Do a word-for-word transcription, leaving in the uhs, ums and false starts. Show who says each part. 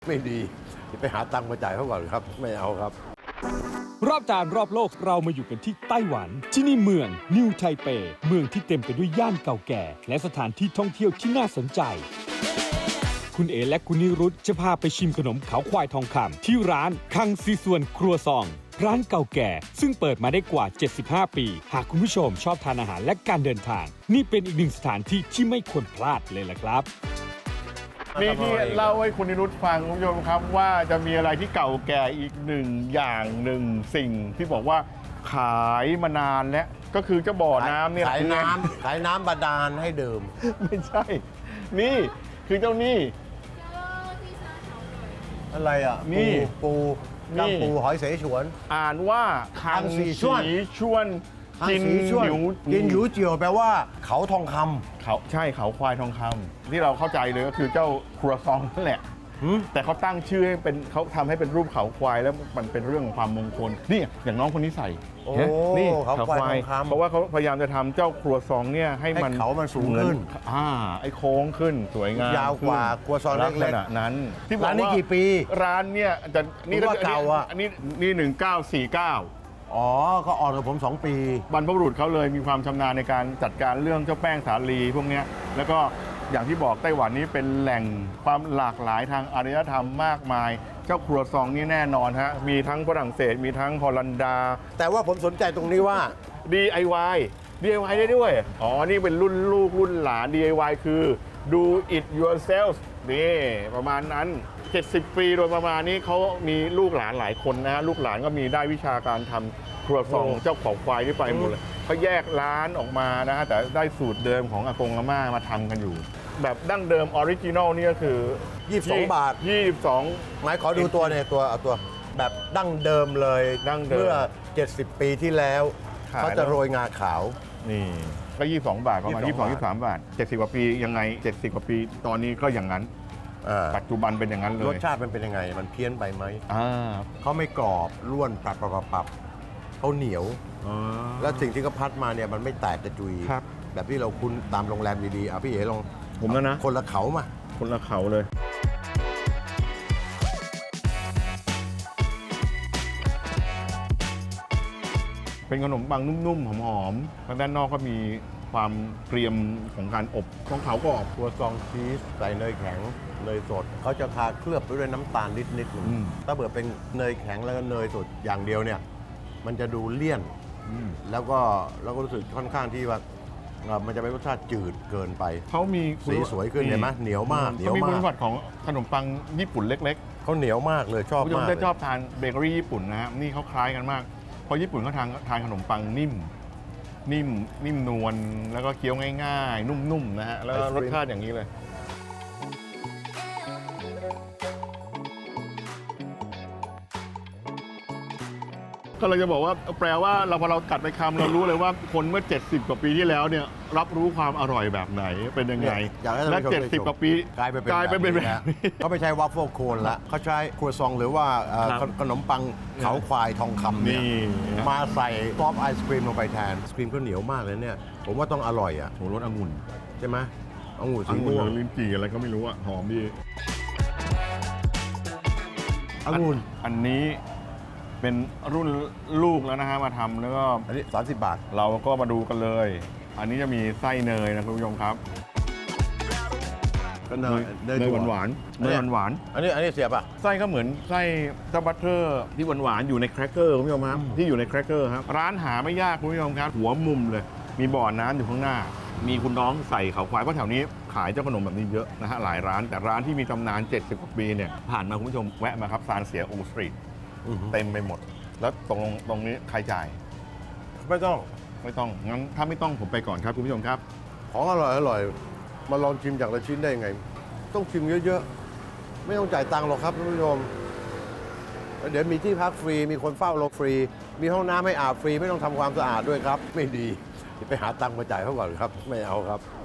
Speaker 1: ไม่ดีไปหาตังค์มาจ่ายเขาก่อนครับไม่เอาครับ
Speaker 2: รอบจานรอบโลกเรามาอยู่กันที่ไต้หวันที่นี่เมืองนิวไทเปเมืองที่เต็มไปด้วยย่านเก่าแก่และสถานที่ท่องเที่ยวที่น่าสนใจคุณเอและคุณนิรุตจะพาไปชิมขนมเขาควายทองคำที่ร้านคังซีส่วนครัวซองร้านเก่าแก่ซึ่งเปิดมาได้กว่าเจ็ดสิบห้าปีหากคุณผู้ชมชอบทานอาหารและการเดินทางนี่เป็นอีกหนึ่งสถานที่ที่ไม่ควรพลาดเลยล่ะครับ
Speaker 3: นี่ที่เล่าให้คุณนิรุตฟังคุณผู้ชมครับว่าจะมีอะไรที่เก่าแก่อีกหนึ่งอย่างหนึ่งสิ่งที่บอกว่าขายมานานแล้วก็คือเจ้าบ่อน้ำเนี่ย
Speaker 1: ขายน้ำขายน้ำบาดาลให้ดื่ม
Speaker 3: ไม่ใช่นี่คือเจ้านี่
Speaker 1: อะไรอ่ะ
Speaker 3: นี่
Speaker 1: ปูกังปูหอยเสฉวน
Speaker 3: อ่านว่าคังสีชวนกินหยู
Speaker 1: กินหยูเจียวแปลว่าเขาทองคำ
Speaker 3: เขาใช่เขาควายทองคำที่เราเข้าใจเลยก็คือเจ้าครัวซองนั่นแหละแต่เขาตั้งชื่อให้เป็นเขาทำให้เป็นรูปเขาควายแล้วมันเป็นเรื่องของความมงคลนี่อย่างน้องคนนี้ใส่
Speaker 1: นี่เขาควายทองคำ
Speaker 3: เพราะว่าเขาพยายามจะทำเจ้าครัวซองเนี่ยให้มัน
Speaker 1: เขามันสูงขึ้น
Speaker 3: อ่าไอ้โค้งขึ้นสวยงาม
Speaker 1: ยาวกว่าครัวซองเล็ก
Speaker 3: ๆนั้น
Speaker 1: ที่ร้านนี้กี่ปี
Speaker 3: ร้านเนี่ยจะ
Speaker 1: นี่ก็เก่าอ่ะ
Speaker 3: อันนี้นี่หนึ่งเก้าสี่เก้า
Speaker 1: อ๋อก็อ่อนกว่าผมสองปี
Speaker 3: บรรพบุรุษเขาเลยมีความชำนาญในการจัดการเรื่องเจ้าแป้งสาลีพวกนี้แล้วก็อย่างที่บอกไต้หวันนี้เป็นแหล่งความหลากหลายทางอารยธรรมมากมายเจ้าครัวซองนี่แน่นอนฮะมีทั้งฝรั่งเศสมีทั้งฮอลันดา
Speaker 1: แต่ว่าผมสนใจตรงนี้ว่า
Speaker 3: ดี ไอ วาย ดี ไอ วาย ได้ด้วยอ๋อนี่เป็นรุ่นลูกรุ่นหลาน ดี ไอ วาย คือ do it yourself นี่ประมาณนั้นเจ็ดสิบปีโดยประมาณนี้เขามีลูกหลานหลายคนนะฮะลูกหลานก็มีได้วิชาการทำครัวซองเจ้าของควายที่ไปหมดเลยเขาแยกร้านออกมานะฮะแต่ได้สูตรเดิมของอากงอาม่ามาทำกันอยู่แบบดั้งเดิมออริจินอลนี่ก็คือ
Speaker 1: ยี่สิบสองบาท
Speaker 3: ยี่สิบสอง
Speaker 1: หมายขอดูตัวเนี่ยตัวเอาตัวแบบดั้งเดิมเลย
Speaker 3: ดั้งเดิม
Speaker 1: เมื่อเจ็ดสิบปีที่แล้วเขาจะโรยงาขาว
Speaker 3: นี่ก็ยี่สิบสองบาทประมาณยี่สิบสอง ยี่สิบสามบาทเจ็ดสิบกว่าปียังไงเจ็ดสิบกว่าปีตอนนี้ก็อย่างนั้นปัจจุบันเป็นอย่างนั้นเลย
Speaker 1: รสชาติมันเป็นยังไงมันเพี้ยนไปไหม
Speaker 3: อ่า
Speaker 1: เขาไม่กรอบร่วนปรับปรับปรับเขาเหนียวแล้วสิ่งที่เขาพัดมาเนี่ยมันไม่แตกกระจุยแบบที่เราคุ้นตามโรงแรมดีๆอ่ะพี่เอ๋ลอง
Speaker 3: ผมแล้วนะ
Speaker 1: คนละเขามา
Speaker 3: คนละเขาเลยเป็นขนมปังนุ่มๆหอมๆทางด้านนอกก็มีความเกรียมของการอบของเขาก็ออก
Speaker 1: ตัวซองชีสใส่เนยแข็งเนยสดเขาจะทาเคลือบไปด้วยน้ำตาลนิดนิดนึงถ้าเกิดเป็นเนยแข็งแล้วก็เนยสดอย่างเดียวเนี่ยมันจะดูเลี่ยนแล้วก็แล้วก็รู้สึกค่อนข้างที่ว่ามันจะเป็นรสชาติจืดเกินไป
Speaker 3: เขามี
Speaker 1: สีสวยขึ้นเห็นไหมเหนียวมาก
Speaker 3: เหนียวมากเขามีคุณสมบัติของขนมปังญี่ปุ่นเล็ก
Speaker 1: ๆเขาเหนียวมากเลยชอบมาก
Speaker 3: ผมจะชอบทานเบเกอรี่ญี่ปุ่นนะฮะนี่เขาคล้ายกันมากเพราะญี่ปุ่นเขาทานทานขนมปังนิ่มนิ่มนิ่มนวลแล้วก็เคี้ยวง่ายๆนุ่มๆนะฮะแล้วรสชาติอย่างนี้เลยก็เราจะบอกว่าแปลว่าเราพอเรากัดไปคำเรารู้เลยว่าคนเมื่อเจ็ดสิบกว่าปีที่แล้วเนี่ยรับรู้ความอร่อยแบบไหนเป็นยังไงและเจ็ดสิบกว่าปี
Speaker 1: กลายไปเป็น
Speaker 3: กลายไปเป็นแบบนี้
Speaker 1: เขาไม่ใช่วัฟเฟิลโคนละเขาใช้ครัวซองหรือว่าขนมปังเขาควายทองคำเนี่ยมาใส่ซอฟไอศครีมลงไปแทนไอศครีมก็เหนียวมากเลยเนี่ยผมว่าต้องอร่อยอ่ะ
Speaker 3: โหรสองุ่น
Speaker 1: ใช่ไหมองุ่นสีม่วง
Speaker 3: ลิ้นจี่อะไรก็ไม่รู้อ่ะหอมดี
Speaker 1: องุ่น
Speaker 3: อันนี้เป็นรุ่นลูกแล้วนะฮะมาทำแล้วก็
Speaker 1: อันนี้สามสิบบาท
Speaker 3: เราก็มาดูกันเลยอันนี้จะมีไส้เนยนะคุณผู้ชมครับ
Speaker 1: เนย
Speaker 3: เนยหวานหวานเนยหวานหวาน
Speaker 1: อันนี้อันนี้เสียบอ่ะ
Speaker 3: ไส้ก็เหมือนไส้เจ้าบัตเตอร์ที่หวานหวานอยู่ในแครกเกอร์คุณผู้ชมครับที่อยู่ในแครกเกอร์ครับร้านหาไม่ยากคุณผู้ชมครับหัวมุมเลยมีบ่อน้ำอยู่ข้างหน้ามีคุณน้องใส่เขาควายเพราะแถวนี้ขายเจ้าขนมแบบนี้เยอะนะฮะหลายร้านแต่ร้านที่มีตำนานเจ็ดสิบกว่าปีเนี่ยผ่านมาคุณผู้ชมแวะมาครับซานเสียอูสตรีทเต็มไปหมดแล้วตรงตรงนี้ใครจ่าย
Speaker 1: ไม่ต้อง
Speaker 3: ไม่ต้องงั้นถ้าไม่ต้องผมไปก่อนครับคุณผู้ชมครับ
Speaker 1: ของอร่อยอร่อยมาลองชิมจากละชิ้นได้ยังไงต้องชิมเยอะๆไม่ต้องจ่ายตังค์หรอกครับคุณผู้ชมเดี๋ยวมีที่พักฟรีมีคนเฝ้าเราฟรีมีห้องน้ำให้อาบฟรีไม่ต้องทำความสะอาดด้วยครับไม่ดีไปหาตังค์มาจ่ายเขาก่อนครับไม่เอาครับ